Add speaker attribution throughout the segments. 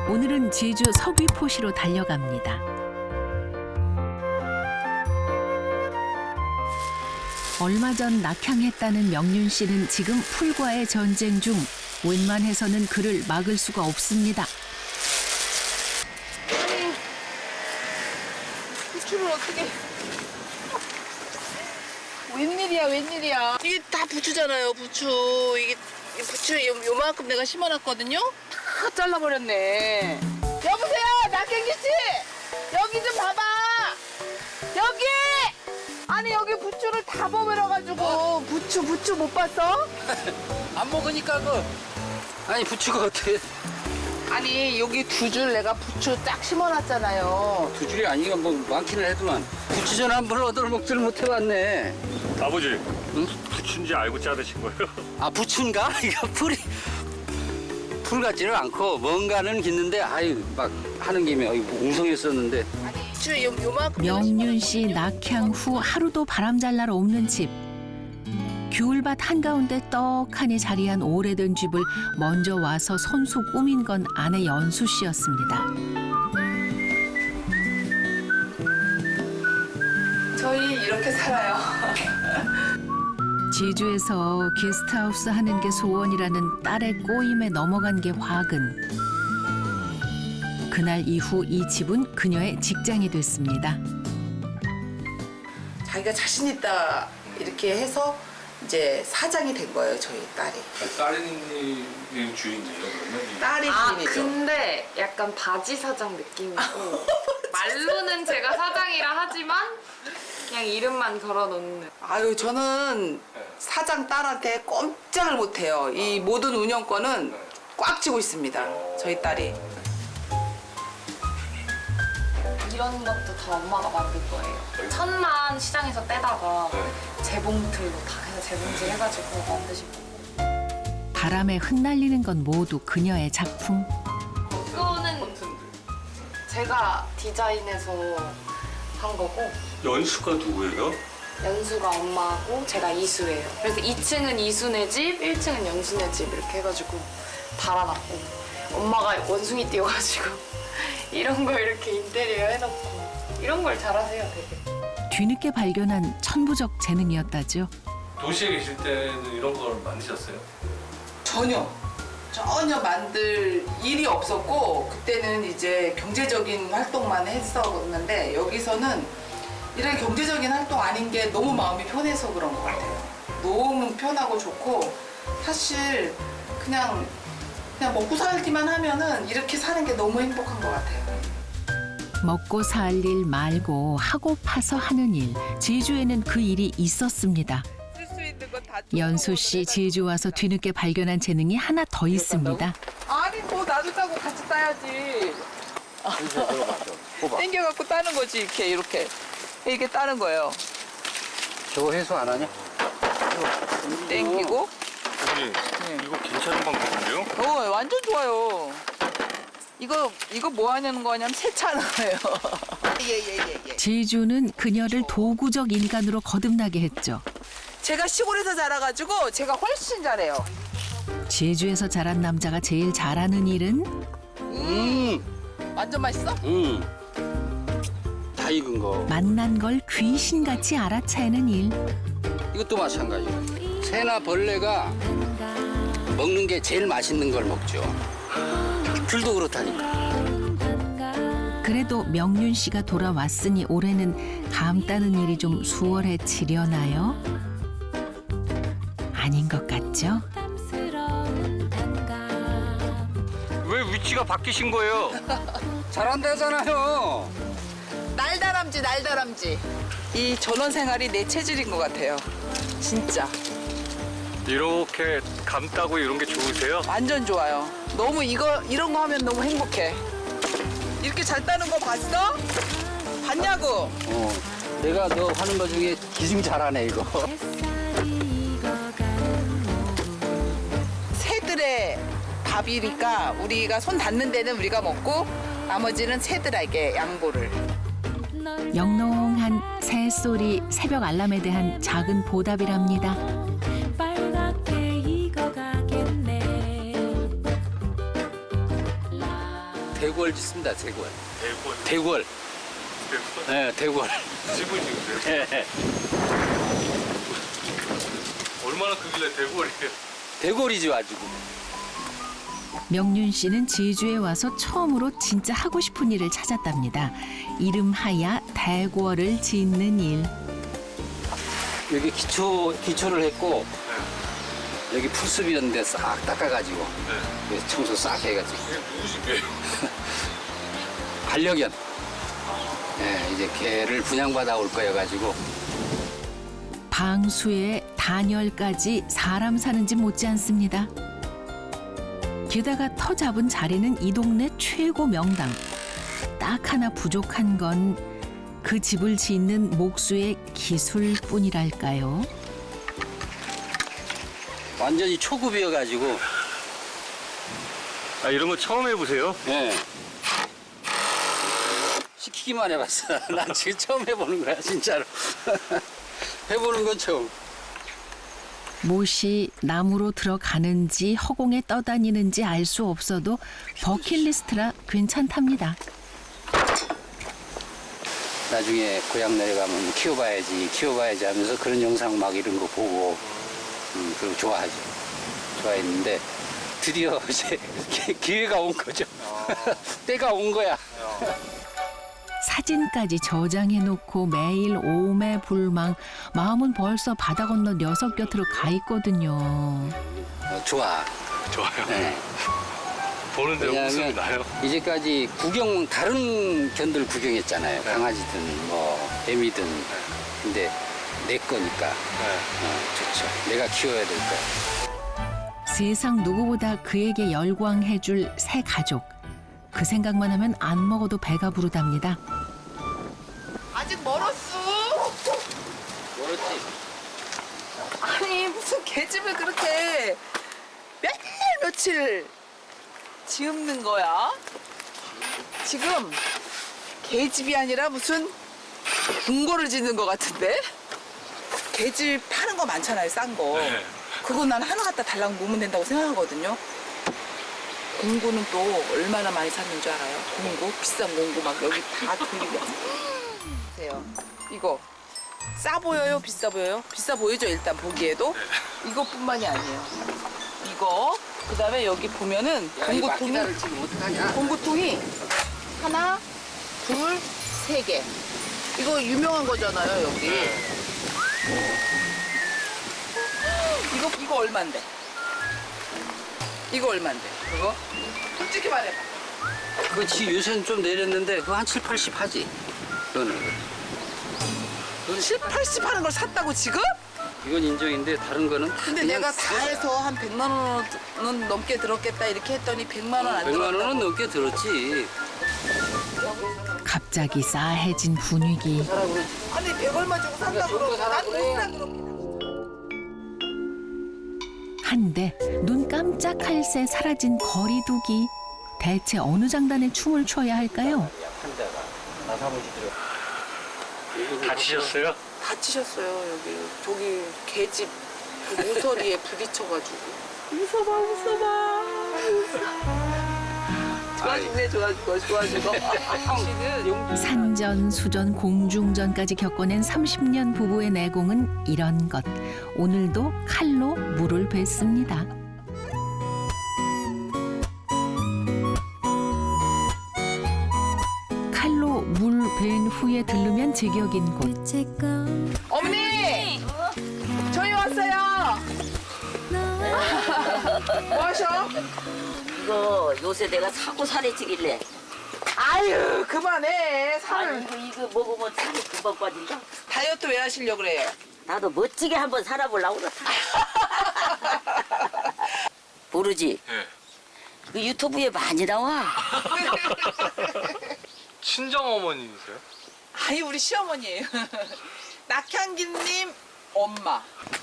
Speaker 1: 오늘은 제주 서귀포시로 달려갑니다. 얼마 전 낙향했다는 명륜 씨는 지금 풀과의 전쟁 중 웬만해서는 그를 막을 수가 없습니다.
Speaker 2: 부추를 어떻게... 웬일이야, 웬일이야. 이게 다 부추잖아요, 부추. 이게 부추 요만큼 내가 심어놨거든요? 다 잘라버렸네. 여보세요, 낙경기 씨! 여기 좀 봐봐! 여기! 아니, 여기 부추를 다 버무려가지고. 부추 못 봤어?
Speaker 3: 안 먹으니까 아니 부추가 어떻게
Speaker 2: 아니, 여기 두 줄 내가 부추 딱 심어놨잖아요.
Speaker 3: 두 줄이 아니고 뭐 많기는 해도만 부추전 한 번 얻어 먹지를 못해봤네.
Speaker 4: 아버지,
Speaker 3: 응?
Speaker 4: 부추인지 알고 자르신 거예요?
Speaker 3: 아 부추인가? 이거 풀 같지는 않고 뭔가는 깃는데 아유 막 하는 김에 웅성했었는데.
Speaker 2: 아니, 부추 요만큼.
Speaker 1: 명륜 씨 낙향 후 하루도 바람잘 날 없는 집. 귤밭 한가운데 떡하니 자리한 오래된 집을 먼저 와서 손수 꾸민 건 아내 연수 씨였습니다.
Speaker 2: 저희 이렇게 살아요.
Speaker 1: 제주에서 게스트하우스 하는 게 소원이라는 딸의 꼬임에 넘어간 게 화근. 그날 이후 이 집은 그녀의 직장이 됐습니다.
Speaker 2: 자기가 자신 있다 이렇게 해서 이제 사장이 된 거예요, 저희 딸이.
Speaker 4: 딸이 주인이에요, 그러면?
Speaker 2: 딸이 주인이죠.
Speaker 5: 근데 약간 바지 사장 느낌이고 말로는 제가 사장이라 하지만 그냥 이름만 걸어놓는.
Speaker 2: 아유, 저는 사장 딸한테 꼼짝을 못해요. 이 모든 운영권은 꽉 쥐고 있습니다, 저희 딸이.
Speaker 5: 이런 것도 다 엄마가 만든 거예요. 천만 시장에서 떼다가 재봉틀로 다 해서 재봉질 해가지고 만드신 거고.
Speaker 1: 바람에 흩날리는 건 모두 그녀의 작품.
Speaker 5: 이거는 제가 디자인해서 한 거고
Speaker 4: 연수가 누구예요?
Speaker 5: 연수가 엄마고 제가 이수예요. 그래서 2층은 이수네 집, 1층은 연수네 집 이렇게 해가지고 달아놨고 엄마가 원숭이 띄워가지고 이런 거 이렇게 인테리어 해놓고 이런 걸 잘하세요, 되게.
Speaker 1: 뒤늦게 발견한 천부적 재능이었다죠.
Speaker 4: 도시에 계실 때는 이런 걸 만드셨어요?
Speaker 2: 전혀 만들 일이 없었고, 그때는 이제 경제적인 활동만 했었는데, 여기서는 이런 경제적인 활동 아닌 게 너무 마음이 편해서 그런 것 같아요. 너무 편하고 좋고, 사실 그냥 먹고 살기만 하면은 이렇게 사는 게 너무 행복한 것 같아요.
Speaker 1: 먹고 살 일 말고 하고 파서 하는 일. 제주에는 그 일이 있었습니다.
Speaker 2: 쓸 수 있는 건 다.
Speaker 1: 연수 씨 제주 와서 뒤늦게 발견한 재능이 하나 더 있습니다.
Speaker 2: 아니, 뭐 나도 따고 같이 따야지. 땡겨갖고 따는 거지, 이렇게 따는 거예요.
Speaker 3: 저거 해소 안 하냐?
Speaker 2: 땡기고.
Speaker 4: 아버지, 이거 괜찮은 방법인데요?
Speaker 2: 완전 좋아요. 이거 뭐 하냐는 거냐면 세차하는 거예요. 예.
Speaker 1: 제주는 그녀를 도구적 인간으로 거듭나게 했죠.
Speaker 2: 제가 시골에서 자라가지고 제가 훨씬 잘해요.
Speaker 1: 제주에서 자란 남자가 제일 잘하는 일은
Speaker 2: 완전 맛있어?
Speaker 3: 다 익은 거.
Speaker 1: 만난 걸 귀신같이 알아차리는 일.
Speaker 3: 이것도 마찬가지예요. 새나 벌레가 먹는 게 제일 맛있는 걸 먹죠. 귤도 그렇다니까.
Speaker 1: 그래도 명륜 씨가 돌아왔으니 올해는 감 따는 일이 좀 수월해지려나요? 아닌 것 같죠?
Speaker 4: 왜 위치가 바뀌신 거예요?
Speaker 3: 잘한다잖아요.
Speaker 2: 날다람쥐. 이 전원 생활이 내 체질인 것 같아요. 진짜.
Speaker 4: 이렇게 감 따고 이런 게 좋으세요?
Speaker 2: 완전 좋아요. 너무 이런 거 하면 너무 행복해. 이렇게 잘 따는 거 봤어? 봤냐고?
Speaker 3: 내가 너 하는 거 중에 기승 잘하네 이거.
Speaker 2: 새들의 밥이니까 우리가 손 닿는 데는 우리가 먹고 나머지는 새들에게 양보를.
Speaker 1: 영롱한 새소리, 새벽 알람에 대한 작은 보답이랍니다.
Speaker 3: 대궐 짓습니다. 대궐.
Speaker 4: 대골.
Speaker 3: 대궐.
Speaker 4: 대골.
Speaker 3: 네, 대궐.
Speaker 4: 집을 지으세요?
Speaker 3: 네.
Speaker 4: 얼마나 크길래 대골이에요?
Speaker 3: 대궐이죠 아주.
Speaker 1: 명륜 씨는 제주에 와서 처음으로 진짜 하고 싶은 일을 찾았답니다. 이름하야 대궐을 짓는 일.
Speaker 3: 여기 기초를 했고 여기 풀숲이었는데 싹 닦아가지고
Speaker 4: 네.
Speaker 3: 그래서 청소 싹 해가지고
Speaker 4: 이게 누구신데요?
Speaker 3: 반려견. 네, 이제 개를 분양받아 올 거여가지고
Speaker 1: 방수에 단열까지 사람 사는 집 못지 않습니다. 게다가 터 잡은 자리는 이 동네 최고 명당. 딱 하나 부족한 건 그 집을 짓는 목수의 기술뿐이랄까요.
Speaker 3: 완전히 초급이어가지고
Speaker 4: 아, 이런 거 처음 해보세요?
Speaker 3: 네. 시키기만 해봤어. 난 지금 처음 해보는 거야 진짜로. 해보는 건 처음.
Speaker 1: 못이 나무로 들어가는지 허공에 떠다니는지 알 수 없어도 버킷리스트라 괜찮답니다.
Speaker 3: 나중에 고향 내려가면 키워봐야지 하면서 그런 영상 막 이런 거 보고 그리고 좋아하죠. 좋아했는데 드디어 이제 기회가 온 거죠. 때가 온 거야.
Speaker 1: 사진까지 저장해놓고 매일 오매불망. 마음은 벌써 바다 건너 녀석 곁으로 가 있거든요.
Speaker 3: 좋아.
Speaker 4: 좋아요.
Speaker 3: 네.
Speaker 4: 보는데 웃음이
Speaker 3: 왜냐하면
Speaker 4: 나요?
Speaker 3: 이제까지 다른 견들 구경했잖아요.
Speaker 4: 네.
Speaker 3: 강아지든 뭐 애미든. 근데 내 거니까
Speaker 4: 네.
Speaker 3: 좋죠. 내가 키워야 될 거야.
Speaker 1: 세상 누구보다 그에게 열광해줄 새 가족. 그 생각만 하면 안 먹어도 배가 부르답니다.
Speaker 2: 아직 멀었어.
Speaker 3: 멀었지?
Speaker 2: 아니 무슨 계집을 그렇게 맨날 며칠 지읍는 거야? 지금 계집이 아니라 무슨 궁궐을 짓는 것 같은데? 계집 파는 거 많잖아요, 싼 거.
Speaker 4: 네.
Speaker 2: 그거 난 하나 갖다 달라고 놓으면 된다고 생각하거든요. 공구는 또 얼마나 많이 샀는 줄 알아요? 공구? 비싼 공구 막 여기 다 돌리고. 보세요. 이거 싸 보여요? 비싸 보여요? 비싸 보이죠, 일단 보기에도? 이것뿐만이 아니에요. 이거, 그 다음에 여기 보면은 공구통이,
Speaker 3: 지금 어떡하냐?
Speaker 2: 공구통이 하나, 둘, 세 개. 이거 유명한 거잖아요, 여기. 이거 얼만데? 이거 얼만데? 그거? 솔직히 말해봐.
Speaker 3: 그렇지 요새는 좀 내렸는데 그거 한 7, 80 하지. 그거는.
Speaker 2: 7, 80 하는 걸 샀다고 지금?
Speaker 3: 이건 인정인데 다른 거는
Speaker 2: 근데
Speaker 3: 그냥
Speaker 2: 내가 다 해서 한 100만 원은 넘게 들었겠다 이렇게 했더니 100만 원 안
Speaker 3: 100만 원은
Speaker 2: 들었다고.
Speaker 3: 넘게 들었지.
Speaker 1: 갑자기 싸해진 분위기.
Speaker 2: 아니 100 얼마 주고 산다고 그러고 난못 사 그렇게.
Speaker 1: 한데 눈 깜짝할 새 사라진 거리두기. 대체 어느 장단에 춤을 춰야 할까요?
Speaker 3: 한 대가 나 사무실 들어.
Speaker 4: 다치셨어요?
Speaker 2: 다치셨어요 여기 저기 계집 그 모서리에 부딪혀가지고. 웃어봐. 좋아지네 좋아지고. 당신은
Speaker 1: 산전, 수전, 공중전까지 겪어낸 30년 부부의 내공은 이런 것. 오늘도 칼로 물을 뱉습니다. 칼로 물 벤 후에 들르면 제격인 곳.
Speaker 2: 어머니 저희 왔어요. 뭐 하셔?
Speaker 6: 이거 요새 내가 사고 살이 찌길래
Speaker 2: 아유 그만해 살을.
Speaker 6: 아니 이거 먹으면 살이 금방 빠진다.
Speaker 2: 다이어트 왜 하시려고 그래요?
Speaker 6: 나도 멋지게 한번 살아보려고 그렇다. 모르지?
Speaker 4: 네.
Speaker 6: 그 유튜브에 많이 나와.
Speaker 4: 친정 어머님이세요?
Speaker 2: 아니 우리 시어머니예요. 낙향기님 엄마.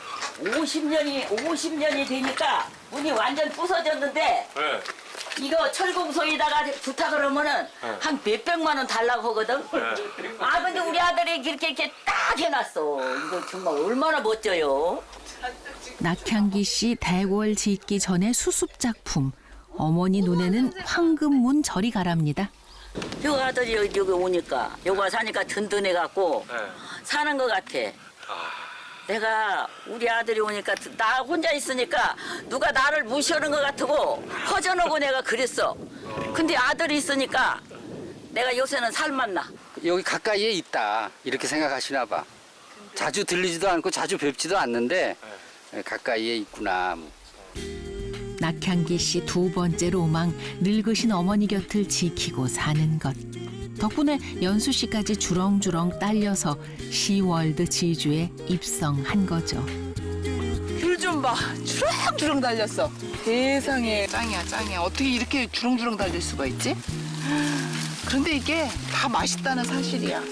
Speaker 6: 50년이 되니까 문이 완전 부서졌는데
Speaker 4: 네.
Speaker 6: 이거 철공소에다가 부탁을 하면은
Speaker 4: 네.
Speaker 6: 한 몇백만 원 달라고 하거든.
Speaker 4: 네.
Speaker 6: 아 근데 우리 아들이 이렇게 딱 해놨어. 이거 정말 얼마나 멋져요.
Speaker 1: 낙향기 씨 대궐 짓기 전에 수습 작품. 어머니 눈에는 황금문 절이 가랍니다.
Speaker 6: 요 아들이 여기 오니까 요가 사니까 든든해갖고
Speaker 4: 네.
Speaker 6: 사는 것 같아. 내가 우리 아들이 오니까 나 혼자 있으니까 누가 나를 무시하는 것 같고 허전하고 내가 그랬어. 근데 아들이 있으니까 내가 요새는 살맛나.
Speaker 3: 여기 가까이에 있다 이렇게 생각하시나 봐. 자주 들리지도 않고 자주 뵙지도 않는데 가까이에 있구나.
Speaker 1: 낙향기 씨 두 번째 로망, 늙으신 어머니 곁을 지키고 사는 것. 덕분에 연수 씨까지 주렁주렁 딸려서 시월드 지주에 입성한 거죠.
Speaker 2: 귤 좀 봐. 주렁주렁 달렸어. 세상에. 짱이야, 짱이야. 어떻게 이렇게 주렁주렁 달릴 수가 있지? 그런데 이게 다 맛있다는 사실이야.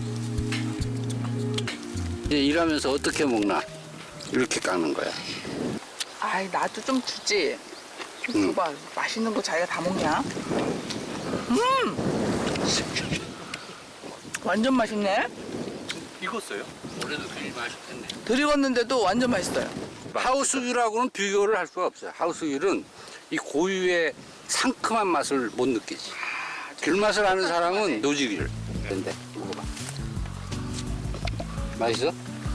Speaker 3: 이제 일하면서 어떻게 먹나 이렇게 깎는 거야.
Speaker 2: 아이, 나도 좀 주지. 좀 줘봐. 맛있는 거 자기가 다 먹냐? 완전 맛있네.
Speaker 4: 익었어요?
Speaker 3: 올해도 귤 맛있겠네.
Speaker 2: 덜 익었는데도 완전 맛있어요.
Speaker 3: 하우스귤하고는 비교를 할 수가 없어요. 하우스귤은 이 고유의 상큼한 맛을 못 느끼지. 귤 맛을 아는 사람은 노지귤. 근데 먹어봐. 맛있어?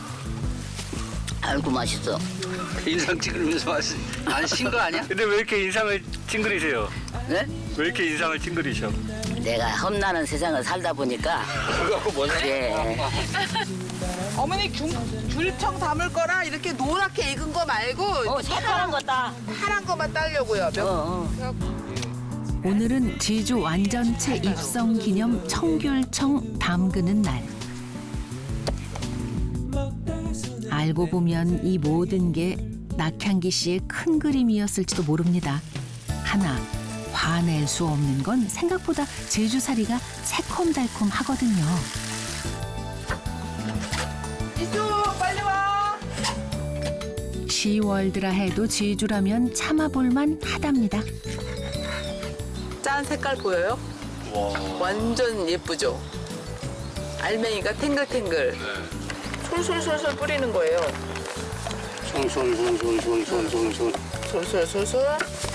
Speaker 6: 알고 맛있어.
Speaker 3: 인상 찌그리면서 맛있어. 안 신 거 아니야?
Speaker 4: 근데 왜 이렇게 인상을 찡그리세요?
Speaker 6: 네?
Speaker 4: 왜 이렇게 인상을 찡그리셔?
Speaker 6: 내가 험난한 세상을 살다 보니까
Speaker 3: 그거 뭔
Speaker 6: 그래.
Speaker 2: 어머니 귤청 담을 거라 이렇게 노랗게 익은 거 말고
Speaker 6: 새파란 거다.
Speaker 2: 파란 거만 따려고요.
Speaker 1: 오늘은 지주 완전체 입성 기념 청귤청 담그는 날. 알고 보면 이 모든 게 낙향기 씨의 큰 그림이었을지도 모릅니다. 하나, 화낼 수 없는 건 생각보다 제주살이가 새콤달콤하거든요.
Speaker 2: 이수 빨리 와.
Speaker 1: 시월드라 해도 제주라면 참아볼만 하답니다.
Speaker 2: 짠 색깔 보여요? 완전 예쁘죠? 알맹이가 탱글탱글. 솔솔솔솔 뿌리는 거예요.
Speaker 3: 손손손손손손손손.
Speaker 2: 솔솔솔솔.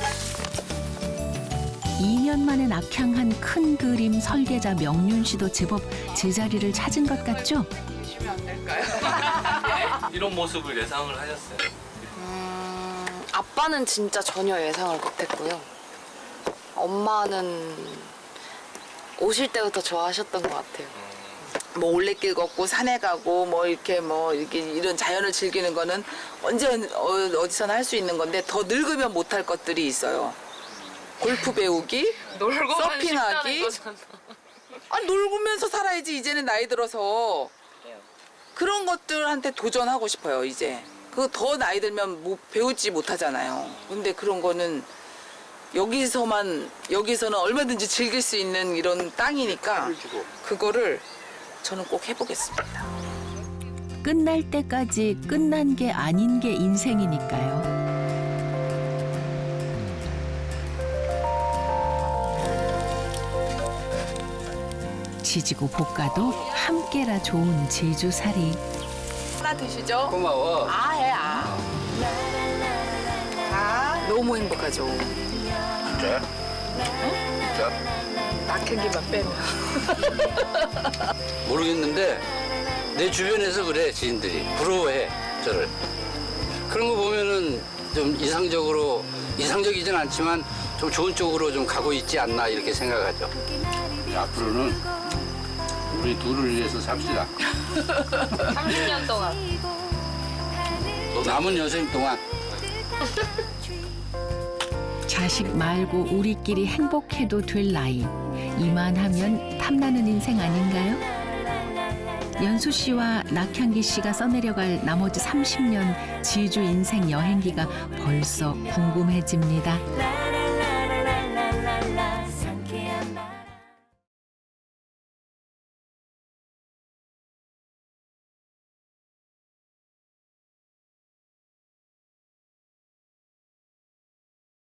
Speaker 1: 2년 만에 낙향한 큰 그림 설계자 명륜 씨도 제법 제자리를 찾은 것 같죠?
Speaker 2: 주시면 안 될까요?
Speaker 4: 이런 모습을 예상을 하셨어요?
Speaker 5: 아빠는 진짜 전혀 예상을 못했고요. 엄마는 오실 때부터 좋아하셨던 것 같아요.
Speaker 2: 뭐 올레길 걷고 산에 가고 뭐 이렇게 이런 자연을 즐기는 거는 언제 어디서나 할 수 있는 건데 더 늙으면 못할 것들이 있어요. 골프 배우기, 서핑하기. 아, 놀면서 살아야지 이제는 나이 들어서. 그런 것들한테 도전하고 싶어요 이제. 그거 더 나이 들면 배우지 못하잖아요. 근데 그런 거는 여기서는 얼마든지 즐길 수 있는 이런 땅이니까 그거를 저는 꼭 해보겠습니다.
Speaker 1: 끝날 때까지 끝난 게 아닌 게 인생이니까요. 지지고 볶아도 함께라 좋은 제주살이.
Speaker 2: 하나 드시죠?
Speaker 3: 고마워.
Speaker 2: 해. 너무 행복하죠.
Speaker 3: 진짜? 진짜?
Speaker 2: 낙향기만 빼면.
Speaker 3: 모르겠는데 내 주변에서 그래 지인들이 부러워해 저를. 그런 거 보면은 좀 이상적이진 않지만 좀 좋은 쪽으로 좀 가고 있지 않나 이렇게 생각하죠. 앞으로는 우리 둘을 위해서 삽시다.
Speaker 5: 30년 동안.
Speaker 3: 남은 여생 동안.
Speaker 1: 자식 말고 우리끼리 행복해도 될 나이. 이만하면 탐나는 인생 아닌가요? 연수 씨와 낙향기 씨가 써내려갈 나머지 30년 지주 인생 여행기가 벌써 궁금해집니다.